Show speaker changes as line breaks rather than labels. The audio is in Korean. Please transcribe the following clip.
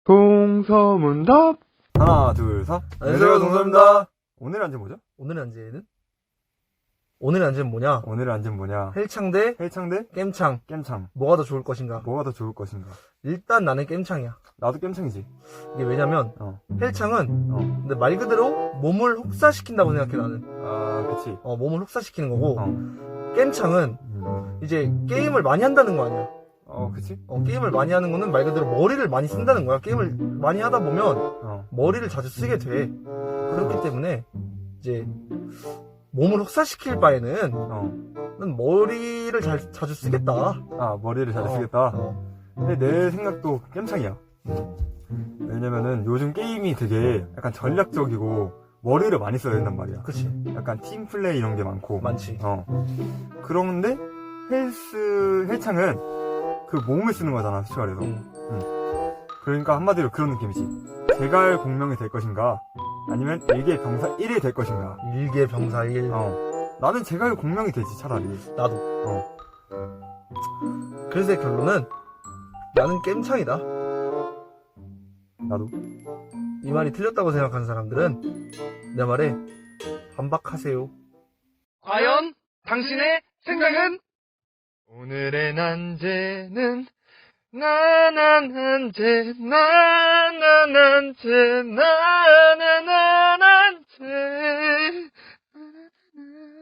동서문답.
하나, 둘, 셋.
안녕하세요, 동서입니다.
오늘의 안전 뭐죠?
오늘의 안제는 뭐냐?
오늘의 안전 뭐냐?
헬창 대
헬창 대
겜창.
겜창.
뭐가 더 좋을 것인가?
뭐가 더 좋을 것인가?
일단 나는 겜창이야.
나도 겜창이지.
이게 왜냐면
어.
헬창은
어.
근데 말 그대로 몸을 혹사시킨다고 생각해 나는.
아, 그치.
몸을 혹사시키는 거고
어.
겜창은 이제 게임을 많이 한다는 거 아니야.
그치?
게임을 많이 하는 거는 말 그대로 머리를 많이 쓴다는 거야. 게임을 많이 하다 보면
어.
머리를 자주 쓰게 돼. 그렇기 때문에 이제 몸을 혹사시킬 바에는 난 머리를 자주 쓰겠다.
아, 머리를 잘 쓰겠다. 근데 내 생각도 겜창이야. 왜냐면은 요즘 게임이 되게 약간 전략적이고 머리를 많이 써야 된단 말이야.
그치.
약간 팀플레이 이런 게 많고.
많지.
그런데 헬창은 그 몸을 쓰는 거잖아, 솔직히 말해서. 그러니까 한마디로 그런 느낌이지. 제갈 공명이 될 것인가? 아니면 일개 병사 1이 될 것인가?
일개 병사 1.
나는 제갈 공명이 되지, 차라리.
나도. 그래서 결론은 나는 겜창이다.
나도.
이 말이 틀렸다고 생각하는 사람들은 내 말에 반박하세요.
과연 당신의 생각은? 오늘의 난제는 나나난제 나나난제 나나나난제